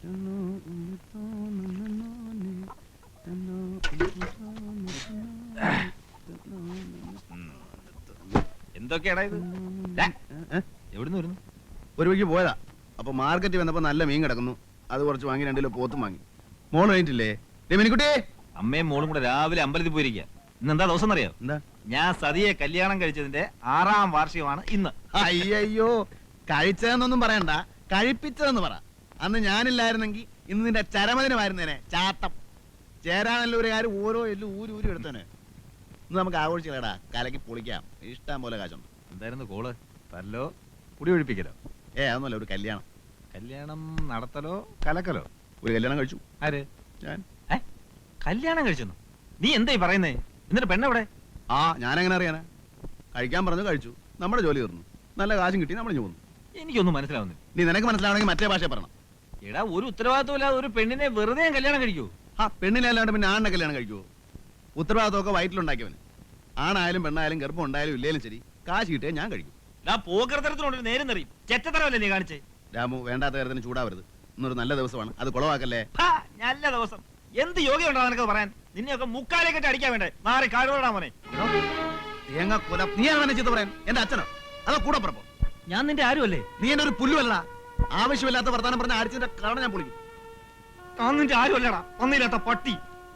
എന്തൊക്കെയാടാ ഇത്? എവിടുന്ന് വരുന്നു? ഒരു വഴിക്ക് പോയതാ. അപ്പൊ മാർക്കറ്റിൽ വന്നപ്പോ നല്ല മീൻ കിടക്കുന്നു. അത് കുറച്ച് വാങ്ങി 2 കിലോ പോത്തും വാങ്ങി. മോള് കഴിഞ്ഞിട്ടില്ലേ? മിനിക്കുട്ടി, അമ്മയും മോളും കൂടെ രാവിലെ അമ്പലത്തിൽ പോയിരിക്കുക. ഇന്ന് എന്താ ദിവസം അറിയാം? എന്താ? ഞാൻ സതിയെ കല്യാണം കഴിച്ചതിന്റെ 6ാം വാർഷികമാണ് ഇന്ന്. അയ്യോ, കഴിച്ചതെന്നൊന്നും പറയണ്ട, കഴിപ്പിച്ചതെന്ന് പറ. അന്ന് ഞാനില്ലായിരുന്നെങ്കിൽ ഇന്ന് നിന്റെ ചരമദിനമായിരുന്നേനെ. ചാട്ടം ചേരാനല്ലൂരുകാർ ഓരോ എല്ലും ഊരി എടുത്തേനെ. ഇന്ന് നമുക്ക് ആഘോഷിക്കലടാ, കലക്കി പൊളിക്കാം. ഇഷ്ടം പോലെ കാശുണ്ട്. എന്തായിരുന്നു കോള്? തല്ലോ കുടി ഒഴിപ്പിക്കലോ? അതൊന്നുമല്ല, ഒരു കല്യാണം. കല്യാണം നടത്തലോ കലക്കലോ? ഒരു കല്യാണം കഴിച്ചു. ആര്? ഞാൻ. കല്യാണം കഴിച്ചെന്നു? നീ എന്തായി പറയുന്നേ? എന്നിട്ട് പെണ്ണെവിടെ? ഞാനെങ്ങനെ അറിയാനാ? കഴിക്കാൻ പറഞ്ഞു, കഴിച്ചു. നമ്മുടെ ജോലി തീർന്നു. നല്ല കാശും കിട്ടി, നമ്മൾ പോന്നു. എനിക്കൊന്നും മനസ്സിലാവുന്നില്ല. നീ നിനക്ക് മനസ്സിലാവണമെങ്കിൽ മറ്റേ ഭാഷ പറയണം. എടാ, ഒരു ഉത്തരവാദിത്വമില്ലാതെ ഒരു പെണ്ണിനെ വെറുതെ കല്യാണം കഴിക്കൂ? പെണ്ണിനെ അല്ലാണ്ട് പിന്നെ ആണിനെ കല്യാണം കഴിക്കുവോ? ഉത്തരവാദിത്വമൊക്കെ വയറ്റിലുണ്ടാക്കിയവന്. ആണായാലും പെണ്ണായാലും ഗർഭം ഉണ്ടായാലും ഇല്ലേലും ശരി, കാശ് കിട്ടിയാൽ ഞാൻ കഴിക്കും. പോകൃതരത്തിനോട് നേരം നിറയും. ചെറ്റത്തരമല്ലേ നീ കാണിച്ചേ? രാമു, വേണ്ടാത്ത കാര്യത്തിന് ചൂടാവരുത്. ഇന്നൊരു നല്ല ദിവസമാണ്, അത് കുളവാക്കല്ലേ. നല്ല ദിവസം? എന്ത് യോഗ്യമുണ്ടോ നിനക്ക് പറയാൻ? നിന്നെയൊക്കെ മുക്കാലെ കെട്ടി അടിക്കാൻ വേണ്ടേ? മാറി കാടുകൊണ്ടാ മോനെ. തേങ്ങ കൊല. നീയാണ് ചീത്ത പറയാൻ? എന്റെ അച്ഛനോ അതോ കൂടെ പറപ്പോ? ഞാൻ നിന്റെ ആരുമല്ലേ? നീ എന്റെ ഒരു പുല്ലുമല്ല. ആവശ്യമില്ലാത്ത വർത്താനം പറഞ്ഞ അടിച്ചിന്റെ കാരണം ഞാൻ പൊളിക്കും. ഞാൻ നിന്റെ ആരുമല്ലടാ, ഒന്നില്ലാത്ത പട്ടി.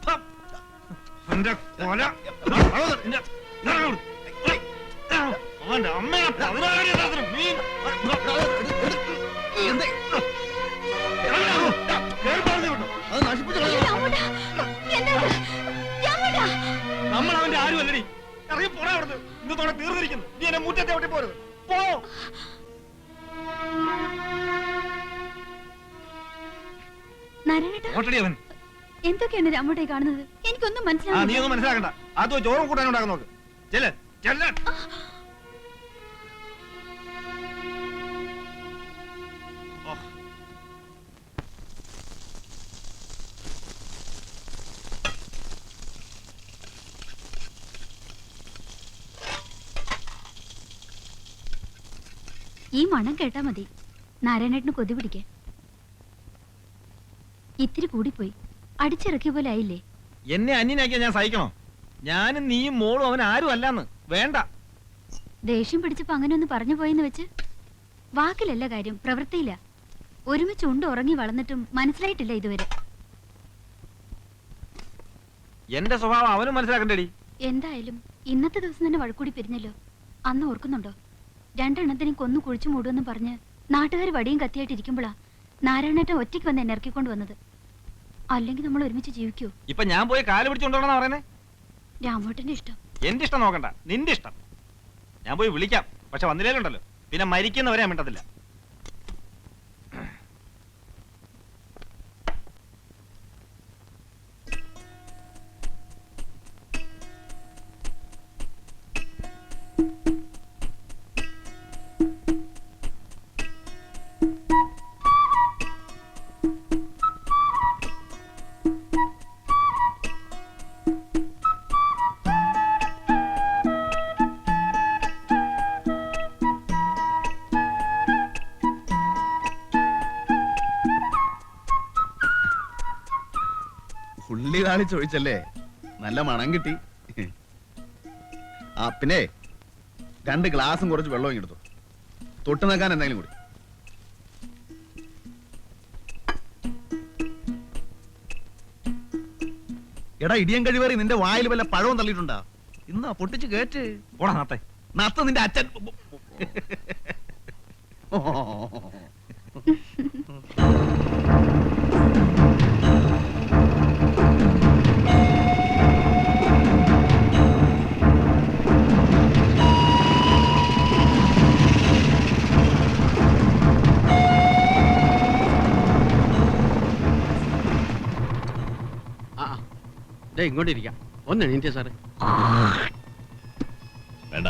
അവന്റെ അമ്മയെ നമ്മൾ അവന്റെ ആരുമല്ലടി. ഇറങ്ങി പോടാ അവിടുന്ന്. ഇന്നത്തോടെ തീർന്നിരിക്കുന്നു. നീ എന്നെ മുറ്റത്തെ ഒട്ടി പോരുത്. പോ. എന്തൊക്കെയാണ് രാമോട്ടെ കാണുന്നത്? എനിക്കൊന്നും മനസ്സിലാവുന്നില്ല. നീ ഒന്നും മനസ്സിലാക്കണ്ട. അതോ ചോറും കൂട്ടാൻ ഉണ്ടാക്കാൻ നോക്ക്. ചെല്ല് ചെല്ല്. ഈ മണം കേട്ടാ മതി നാരായണേട്ടന് കൊതി പിടിക്കാൻ. ഇത്തിരി കൂടിപ്പോയി. അടിച്ചിറക്കിയ പോലെ ആയില്ലേ? എന്നെ അന്യനാക്കിയാ ഞാൻ സഹിക്കണോ? ഞാനും നീയും മോളും അവൻ ആരും അല്ലാന്ന്. വേണ്ട. ദേഷ്യം പിടിച്ചപ്പോ അങ്ങനെ ഒന്ന് പറഞ്ഞു പോയെന്ന് വെച്ച് വാക്കിലല്ല കാര്യം, പ്രവൃത്തിയില്ല. ഒരുമിച്ച് ഉണ്ട് ഉറങ്ങി വളർന്നിട്ടും മനസ്സിലായിട്ടില്ല ഇതുവരെ. എന്റെ സ്വഭാവം അവനും മനസ്സിലാക്കണ്ടേടി. എന്തായാലും ഇന്നത്തെ ദിവസം തന്നെ വഴക്കൂടി പിരിഞ്ഞല്ലോ. അന്ന് ഓർക്കുന്നുണ്ടോ? 2 എണ്ണത്തിനും കൊന്നു കുഴിച്ചു മൂടുമെന്ന് പറഞ്ഞ് നാട്ടുകാർ വടിയും കത്തിയായിട്ട് ഇരിക്കുമ്പോഴാ നാരായണേട്ടൻ ഒറ്റയ്ക്ക് വന്ന് എന്നെ ഇറക്കിക്കൊണ്ട് വന്നത്. അല്ലെങ്കിൽ നമ്മൾ ഒരുമിച്ച് ജീവിക്കൂ? ഇപ്പൊ ഞാൻ പോയി കാല് പിടിച്ചോണ്ടോണെന്നാ പറയുന്നേ? രാമോട്ടന്റെ ഇഷ്ടം. എന്റെ ഇഷ്ടം നോക്കണ്ട, നിന്റെ ഇഷ്ടം. ഞാൻ പോയി വിളിക്കാം, പക്ഷെ വന്നില്ലേലുണ്ടല്ലോ പിന്നെ മരിക്കുന്നവരെ ഞാൻ മിണ്ടത്തില്ല. ഉള്ളിതാളി ചോദിച്ചല്ലേ, നല്ല മണം കിട്ടി. പിന്നെ 2 ഗ്ലാസും കുറച്ച് വെള്ളവും എടുത്തു. തൊട്ട് നിൽക്കാൻ എന്തെങ്കിലും കൂടി. എടാ ഇടിയൻ കഴിവേറി, നിന്റെ വായിൽ വല്ല പഴവും തള്ളിയിട്ടുണ്ടാ? ഇന്നാ പൊട്ടിച്ച് കേറ്റ്. ഓടാ നാത്തെ. നത്ത നിന്റെ അച്ഛൻ. ഇങ്ങോട്ടിരിക്കാം. ഒന്ന് എണീറ്റേ സാറേ. വേണ്ട.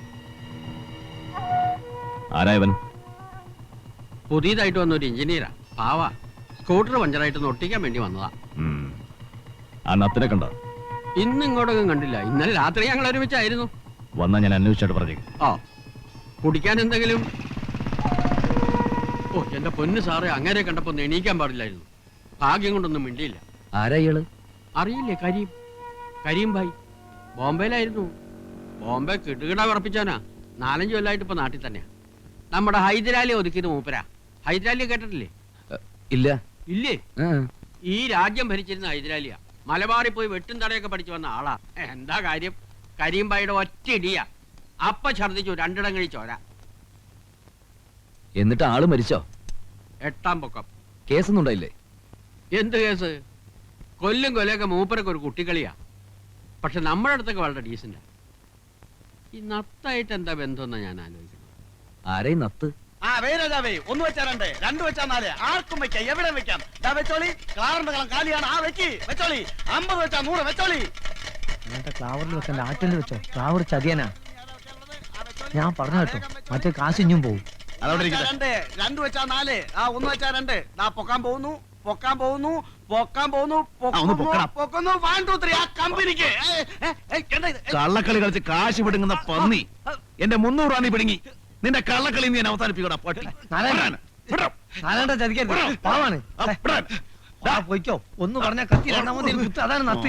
ആരായവൻ? പുതിയതായിട്ട് വന്ന ഒരു എഞ്ചിനീയറാ. പാവാ. സ്കൂട്ടർ പഞ്ചറായിട്ടൊന്ന് ഒട്ടിക്കാൻ വേണ്ടി വന്നതാ. ആ നത്തിനെ കണ്ടോ? ഇന്ന് ഇങ്ങോട്ടൊന്നും കണ്ടില്ല. ഇന്നലെ രാത്രി ഞങ്ങൾ ഒരുമിച്ചായിരുന്നു. വന്നാ ഞാൻ അന്വേഷിച്ചിട്ട് പറഞ്ഞു. കുടിക്കാൻ എന്തെങ്കിലും? ഓ എന്റെ പൊന്ന് സാറേ, അങ്ങനെ കണ്ടപ്പോ ഒന്ന് എണീക്കാൻ പാടില്ലായിരുന്നു. ഭാഗ്യം കൊണ്ടൊന്നും മിണ്ടിയില്ല. ആരാ ഇയാള്? അറിയില്ലേ, കരീം. കരീം ഭായ് ബോംബെയിലായിരുന്നു. ബോംബെ കിടുകിട വിറപ്പിച്ചാനാ. 4-5 കൊല്ലമായിട്ട് ഇപ്പൊ നാട്ടിൽ തന്നെയാ. നമ്മുടെ ഹൈദരാലി ഒതുക്കിയത് മൂപ്പരാ. ഹൈദരാലിയെ കേട്ടിട്ടില്ലേ? ഇല്ല. ഇല്ലേ? ആ. ഈ രാജ്യം ഭരിച്ചിരുന്ന ഹൈദരാലിയാ. മലബാറിൽ പോയി വെട്ടും തടയൊക്കെ പഠിച്ചു വന്ന ആളാ. എന്താ കാര്യം? കരീം ഭായിയുടെ ഒറ്റ ഇടിയാ. അപ്പ ഛർദിച്ചു 2 ഇടം കഴിച്ചോര. എന്നിട്ട് ആള് മരിച്ചോ? 8-ാം പൊക്കം. കേസൊന്നും ഉണ്ടായില്ലേ? എന്ത് കേസ്? കൊല്ലും കൊല്ലൊക്കെ മൂപ്പരൊക്കെ ഒരു കുട്ടിക്കളിയാ. പക്ഷെ നമ്മുടെ അടുത്തൊക്കെ വളരെ ഡീസന്റാ. ഈ നത്തായിട്ട് എന്താ ബന്ധമെന്നാ ഞാൻ ആലോചിക്കുന്നത്. ആരെയും നത്ത്? ആ വേരാജാവേ, 1 വെച്ചാ 2, 2 വെച്ചാ 4, ആർക്കും വെക്കാം, എവിടെ വെക്കാം. ദാ വെച്ചോളി, ക്ലാറിന്റെ കളം കാലിയാണ്, ആ വെക്കി വെച്ചോളി. 50 വെച്ചാ 100 വെച്ചോളി. ക്ലാവറിൽ വെക്കണ്ട, ആറ്റിൽ വെച്ചോ. ക്ലാവർ ചതിയനാ, ഞാൻ പറഞ്ഞു കേട്ടോ. മറ്റേ കാശിഞ്ഞും പോവും. അതോടെ 2 വെച്ചാ 4, ആ 1 വെച്ചാ 2. ദാ പൊക്കാൻ പോകുന്നു, പൊക്കാൻ പോകുന്നു, പൊക്കാൻ പോകുന്നു, പൊക്കുന്നു. 1 2 3 ആ കമ്പനിക്ക്. കള്ളക്കളി കളിച്ച് കാശ് പിടുങ്ങുന്ന പന്നി. എന്റെ 300 രൂപ നീ പിടുങ്ങി. നിന്റെ കള്ളക്കളി നീ അവസാനിപ്പിക്കടാ പട്ടി. നാരായണ ചതിക്കരുത്, പാവാണ്. പോയിക്കോ, ഒന്ന് പറഞ്ഞ കത്തി രണ്ടാമത് കുത്ത്, അതാണ് നത്ത്.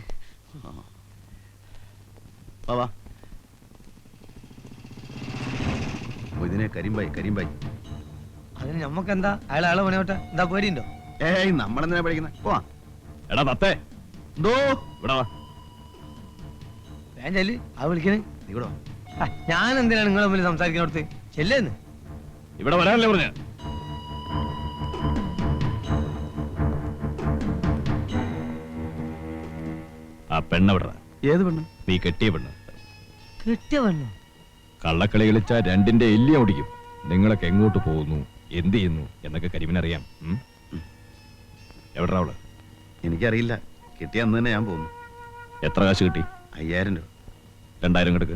ഇതിനെ കരിമ്പായി അതിന് ഞമ്മക്കെന്താ? അയാളെ പണിയോട്ടെ, എന്താ പേടിയുണ്ടോ? ഏയ്, നമ്മളെന്തിനാ പഠിക്കുന്നത്? പോവാ. എടാ തത്തേ, എന്തോ ഇവിടെ വാ. ഞാൻ ചെല്ല്, ആ വിളിക്കണേ. നീ ഇവിടെ വാ. ഞാൻ എന്തിനാണ് നിങ്ങളെ മുമ്പിൽ സംസാരിക്കുന്നിടത്ത്? ചെല്ലേന്ന് ഇവിടെ വരാനല്ലേ പറഞ്ഞ? ആ പെണ്ണെവിടാ? ഏത് പെണ്ണ്? നീ കെട്ടിയ പെണ്ണ്. കിട്ടിയ പെണ്ണു? കള്ളക്കളി കളിച്ചാ 2ന്റെ എല്ലി ഓടിക്കും. നിങ്ങളൊക്കെ എങ്ങോട്ട് പോകുന്നു, എന്ത് ചെയ്യുന്നു എന്നൊക്കെ കരിമിനറിയാം. എവിടാ അവള്? എനിക്കറിയില്ല, കിട്ടിയ അന്ന് തന്നെ ഞാൻ പോകുന്നു. എത്ര കാശ് കിട്ടി? 5000 രൂപ. 2000 കിടക്ക്.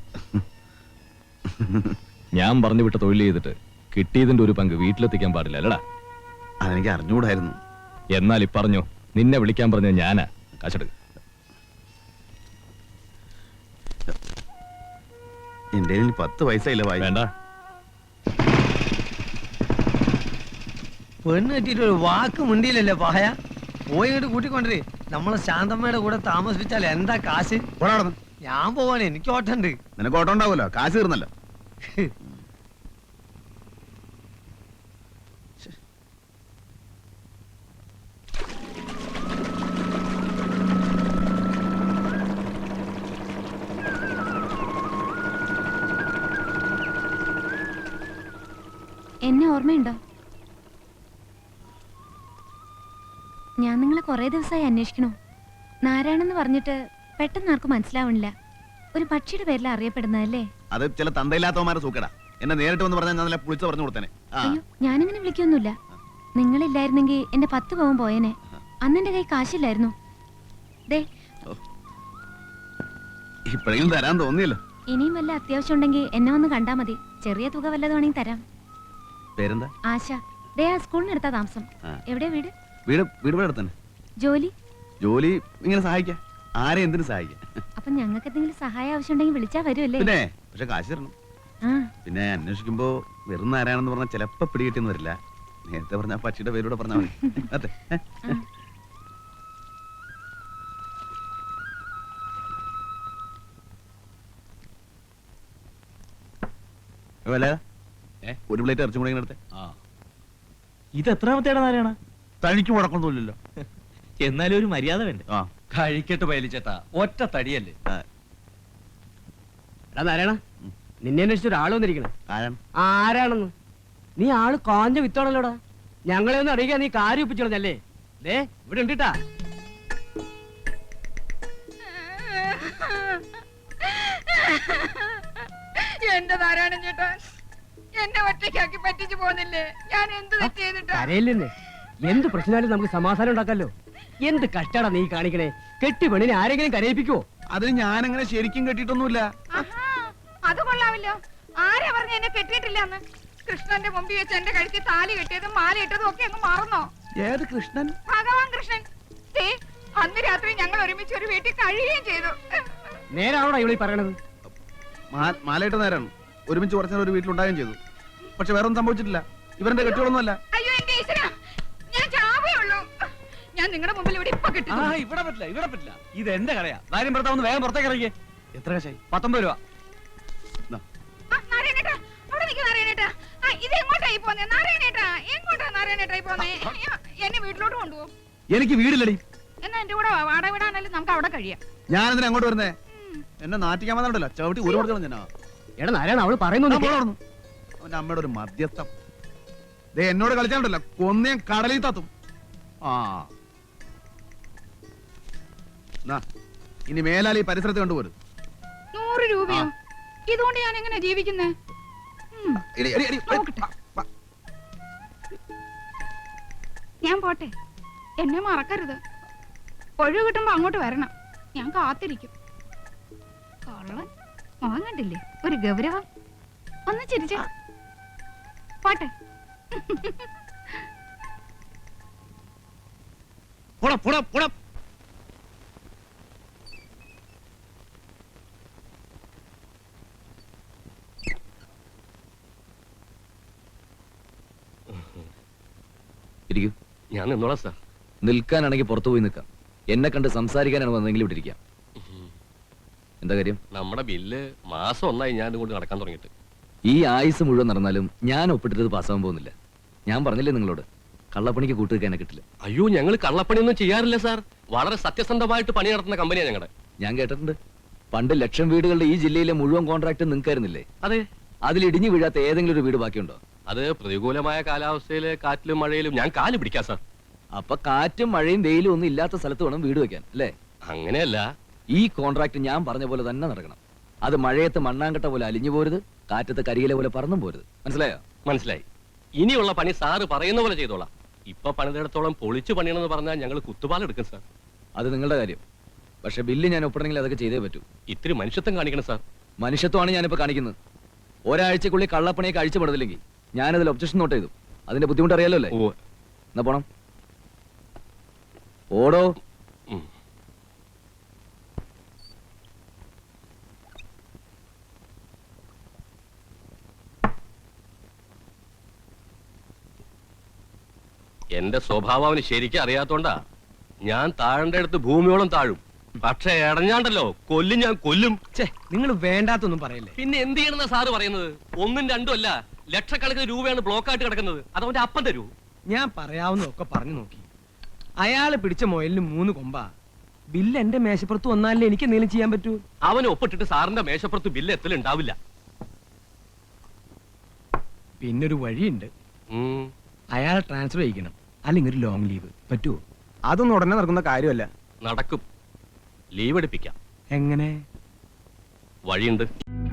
ഞാൻ പറഞ്ഞു വിട്ട തൊഴിൽ ചെയ്തിട്ട് കിട്ടിയതിന്റെ ഒരു പങ്ക് വീട്ടിലെത്തിക്കാൻ പാടില്ല അല്ലടാ? അതെനിക്ക് അറിഞ്ഞുകൂടായിരുന്നു. എന്നാൽ പറഞ്ഞോ, നിന്നെ വിളിക്കാൻ പറഞ്ഞ ഞാനാ. കാശെടുക്ക്. എന്റെ 10 പൈസ ഇല്ല. വേണ്ട. പെണ്ണ് കെട്ടിട്ട് ഒരു വാക്ക് മുണ്ടിയില്ലല്ലേ പായ? പോയി ഇങ്ങോട്ട് കൂട്ടിക്കൊണ്ടേ. നമ്മളെ ശാന്തമ്മയുടെ കൂടെ താമസിപ്പിച്ചാൽ എന്താ കാശ്? ഞാൻ പോവാണ്, എനിക്ക് ഓട്ടുണ്ട്. നിനക്ക് ഓട്ടം ഉണ്ടാവുമല്ലോ, കാശ് തീർന്നല്ലോ. എന്നെ ഓർമ്മയുണ്ടോ? ഞാൻ നിങ്ങളെ കുറെ ദിവസമായി അന്വേഷിക്കണു. നാരായണെന്ന് പറഞ്ഞിട്ട് പെട്ടെന്ന് ആർക്കും മനസ്സിലാവണില്ല. ഒരു പക്ഷിയുടെ പേരിൽ അറിയപ്പെടുന്നതല്ലേ? അത് ചില തന്തയില്ലാത്തവന്മാരെ സൂക്കടാ. എന്നെ നേരിട്ട് വന്ന് പറഞ്ഞാൽ ഞാൻ നല്ല പുളിച്ച് പറഞ്ഞു കൊടുത്തേനെ. അയ്യോ, ഞാനിങ്ങനെ വിളിക്കൊന്നുമില്ല. നിങ്ങളില്ലായിരുന്നെങ്കിൽ എന്റെ 10 പവൻ പോയേനെ. അന്ന് എന്റെ കൈ കാശില്ലായിരുന്നു. ദേ, ഇപ്പോഴെങ്കിലും തരാൻ തോന്നിയല്ലോ. ഇനിയും വല്ല അത്യാവശ്യം ഉണ്ടെങ്കിൽ എന്നെ വന്ന് കണ്ടാ മതി. ചെറിയ തുക വല്ലതും വേണമെങ്കിൽ തരാം. പേരെന്താ? ആശ. ദേ, ആ സ്കൂളിനടുത്താ താമസം. എവിടെയാ വീട്? വീട് ഇവിടെ തന്നെ. ജോലി? ജോലി ഇങ്ങനെ സഹായിക്കാം. ആരെ എന്തിനു സഹായിക്കാം. അപ്പൊ ഞങ്ങൾക്ക് എന്തെങ്കിലും സഹായം ആവശ്യമുണ്ടെങ്കിൽ വിളിച്ചാ വരുമല്ലേ? പിന്നെ പക്ഷെ കാശ് തരണം. പിന്നെ അന്വേഷിക്കുമ്പോ വെറും ആരാണെന്ന് പറഞ്ഞാൽ ചിലപ്പോ പിടികിട്ടിന്ന് വരില്ല. നേരത്തെ പറഞ്ഞ പക്ഷിയുടെ പേരൂടെ പറഞ്ഞാൽ മതി. അതെ. ഒരു പ്ലേറ്റ് ഇറച്ചും കൂടെ എടുത്തേ. ഇത് എത്രാമത്തേടാ നാരായണ? തനിക്ക് മുടക്കൊന്നുമില്ലല്ലോ. എന്നാലും ഒരു മര്യാദ വേണ്ടേ? കഴിക്കട്ട് പയലിച്ചേട്ടാ, ഒറ്റ തടിയല്ലേ. എടാ നാരായണ, നിന്നെ അന്വേഷിച്ച ഒരാൾ വന്നിരിക്കണേ. ആരാണെന്ന്? നീ ആള് കാഞ്ഞ വിത്താണല്ലോടാ. ഞങ്ങളെ ഒന്ന് അറിയിക്കാൻ നീ കാര്യം ഒപ്പിച്ചോളഞ്ഞല്ലേ? ദേ, ഇവിടെ ഉണ്ടിട്ടാ. എന്റെ നാരായണൻ ചേട്ടാ, എന്നെ ഒറ്റയ്ക്കാക്കി പറ്റിച്ചു പോന്നില്ലേ? ഞാൻ എന്ത് തെറ്റ് ചെയ്തിട്ടാ? കരയില്ലെന്നേ, എന്ത് പ്രശ്നമായാലും നമുക്ക് സമാധാനം ഉണ്ടാക്കാലോ. എന്ത് കഷ്ടാടാ നീ കാണിക്കണേ? കെട്ടി പെണ്ണിനെ ആരെങ്കിലും കരയിപ്പിക്കുവോ? അതിന് ഞാനങ്ങനെ ശരിക്കും കെട്ടിയിട്ടൊന്നുമില്ല. അത് കൊള്ളാമല്ലോ. ആരാ പറഞ്ഞ എന്നെ കെട്ടിയിട്ടില്ല എന്ന്? കൃഷ്ണന്റെ മുമ്പിൽ വെച്ച് എന്റെ കഴുത്തിൽ താലി കെട്ടിയതും മാല ഇട്ടതും ഒക്കെ അങ്ങ് മറന്നോ? ഏത് കൃഷ്ണൻ? ഭഗവാൻ കൃഷ്ണൻ. അന്ന് രാത്രി ഞങ്ങൾ ഒരുമിച്ച് ഒരു വീട്ടിൽ കഴിയുകയും ചെയ്തു. നേരാണോടാ ഇവിടെ പറയണത്? മാലയിട്ട് നേരാണ്. ഒരുമിച്ച് കുറച്ചു നേരം ഒരു വീട്ടിലുണ്ടാകുകയും ചെയ്തു. പക്ഷെ വേറെ ഒന്നും സംഭവിച്ചിട്ടില്ല. ഇവരുടെ കെട്ടികളൊന്നുമല്ല. അയ്യോ എന്റെ ഈശ്വരാ, ഞാൻ ചാവേ ഉള്ളൂ. ഞാൻ നിങ്ങളുടെ മുമ്പിൽ ഇവിടെ ഇപ്പൊ കിട്ടും. ഇവിടെ പറ്റില്ല ഇത് എന്റെ കടയാ. ഭാര്യം ഭർത്താവ് വേഗം പുറത്തേക്ക് ഇറങ്ങിയേ. എത്ര കാശായി? 19 രൂപ. നാരായണേട്ടാ, അവിടെ നിൽക്ക് നാരായണേട്ടാ. ഇത് എങ്ങോട്ടായി പോന്നേ നാരായണേട്ടാ? എങ്ങോട്ടാ നാരായണേട്ടായി പോന്നേ? എന്നെ വീട്ടിലോട്ട് കൊണ്ടുപോകും. എനിക്ക് വീടില്ലടി. എന്നാ എന്റെ കൂടെ വാടക വിടാനല്ലേ നമുക്ക് അവിടെ കഴിയാം. ഞാൻ എന്തിനാ അങ്ങോട്ട് വരുന്നേ? എന്നെ നാട്ടിക്കാൻ വന്നിട്ടല്ലോ ചവിട്ടി ഒരു കൊടുക്കണം ഞാൻ. എടാ നാരായണ അവള് പറയുന്നു. അവന്റെ അമ്മയുടെ ഒരു മധ്യസ്ഥം. ദേ എന്നോട് കളിച്ചാണ്ടല്ലോ കൊന്നേം കടലിൽ തത്തും. ആ നാ, ഇനി മേലാൽ ഈ പരിസരത്ത് കണ്ടുപോരും. 100 രൂപയോ? ഇതുകൊണ്ട് ഞാൻ എങ്ങനെ ജീവിക്കുന്നേ? ഞാൻ പോട്ടെ, എന്നെ മറക്കരുത്. ഒഴിവ് കിട്ടുമ്പോ അങ്ങോട്ട് വരണം, ഞാൻ കാത്തിരിക്കും. കള്ളൻ മോൻ കണ്ടില്ലേ, ഒരു ഗൗരവം. ഒന്ന് ചിരിച്ചേ. പോട്ടെ. പോടാ പോടാ പോടാ. ഇരിക്കൂ. ഞാൻ നിന്നോളാം സാർ. നിൽക്കാനാണെങ്കിൽ പുറത്തു പോയി നിൽക്കാം. എന്നെ കണ്ട് സംസാരിക്കാനാണ് വന്നെങ്കിൽ ഇവിടെ ഇരിക്കാം. എന്താ കാര്യം? നമ്മുടെ ബില്ല് മാസം 1 ഞാൻ കൊണ്ട് നടക്കാൻ തുടങ്ങിയിട്ട്. ഈ ആയുസ് മുഴുവൻ നടന്നാലും ഞാൻ ഒപ്പിട്ടത് പാസ്സാവാൻ പോകുന്നില്ല. ഞാൻ പറഞ്ഞില്ലേ നിങ്ങളോട്, കള്ളപ്പണിക്ക് കൂട്ടുവെക്കാനെ കിട്ടില്ല. അയ്യോ, ഞങ്ങൾ കള്ളപ്പണിയൊന്നും ചെയ്യാറില്ല സാർ. വളരെ സത്യസന്ധമായിട്ട് പണി നടത്തുന്ന കമ്പനിയാണ് ഞങ്ങളുടെ. ഞാൻ കേട്ടിട്ടുണ്ട്, പണ്ട് 1,00,000 വീടുകളുടെ ഈ ജില്ലയിലെ മുഴുവൻ കോൺട്രാക്ട് നിങ്ങൾക്കായിരുന്നില്ലേ? അതെ. അതിൽ ഇടിഞ്ഞു വീഴാത്ത ഏതെങ്കിലും ഒരു വീട് ബാക്കിയുണ്ടോ? അത് പ്രതികൂലമായ കാലാവസ്ഥയില് കാറ്റിലും മഴയിലും ഞാൻ കാല് പിടിക്കാം സാർ. അപ്പൊ കാറ്റും മഴയും വെയിലും ഒന്നും ഇല്ലാത്ത സ്ഥലത്ത് വേണം വീട് വെക്കാൻ, അല്ലേ? അങ്ങനെയല്ല. ഈ കോൺട്രാക്ട് ഞാൻ പറഞ്ഞ പോലെ തന്നെ നടക്കണം. അത് മഴയത്ത് മണ്ണാങ്കട്ട പോലെ അലിഞ്ഞു പോരുത്, കാറ്റത്ത് കരിയില പോലെ പറന്നും പോരുത്. മനസ്സിലായോ? മനസ്സിലായി. ഇനിയുള്ള പണി സാറ് പറയുന്ന പോലെ ചെയ്തോളാം. ഇപ്പൊ പണിതിടത്തോളം പൊളിച്ചു പണിയണമെന്ന് പറഞ്ഞാൽ ഞങ്ങൾ കുത്തുപാലെടുക്കും സാർ. അത് നിങ്ങളുടെ കാര്യം. പക്ഷെ ബില്ല് ഞാൻ ഒപ്പിടണമെങ്കിൽ അതൊക്കെ ചെയ്തേ പറ്റൂ. ഇത്തിരി മനുഷ്യത്വം കാണിക്കണം സാർ. മനുഷ്യത്വമാണ് ഞാനിപ്പോ കാണിക്കുന്നത്. ഒരാഴ്ചക്കുള്ളിൽ കള്ളപ്പണിയൊക്കെ അഴിച്ചുപെടുന്നില്ലെങ്കിൽ ഞാനതിൽ ഒബ്ജക്ഷൻ നോട്ട് ചെയ്തു. അതിന്റെ ബുദ്ധിമുട്ട് അറിയാലോ അല്ലേ? എന്നാ പോണം. ഓടോ. എന്റെ സ്വഭാവം അവന് ശരിക്കും അറിയാത്തോണ്ടാ. ഞാൻ താഴേണ്ട അടുത്ത് ഭൂമിയോളം താഴും. പക്ഷെ ഇടഞ്ഞാണ്ടല്ലോ കൊല്ലും, ഞാൻ കൊല്ലും. നിങ്ങൾ വേണ്ടാത്തൊന്നും പറയല്ലേ. പിന്നെ എന്ത് ചെയ്യണമെന്നാ സാറ് പറയുന്നത്? 1ഉം 2ഉം അല്ല, ലക്ഷക്കണക്കിന് രൂപയാണ് ബ്ലോക്കായിട്ട് കിടക്കുന്നത്. അതവന്റെ അപ്പം തരൂ. ഞാൻ പറയാവുന്നതൊക്കെ പറഞ്ഞു നോക്കി. അയാള് പിടിച്ച മുയലിന് 3 കൊമ്പാ. ബില്ല് എന്റെ മേശപ്പുറത്ത് വന്നാലേ എനിക്ക് എന്തെങ്കിലും ചെയ്യാൻ പറ്റൂ. അവന് ഒപ്പിട്ടിട്ട് സാറിന്റെ മേശപ്പുറത്ത് ബില്ല് എത്തലുണ്ടാവില്ല. പിന്നൊരു വഴിയുണ്ട്. അയാളെ ട്രാൻസ്ഫർ ചെയ്യിക്കണം, അല്ലെങ്കിൽ ഒരു ലോങ് ലീവ് പറ്റുമോ? അതൊന്നും ഉടനെ നടക്കുന്ന കാര്യമല്ല. നടക്കും. ലീവ് എടുപ്പിക്കാം. എങ്ങനെ? വഴിയുണ്ട്.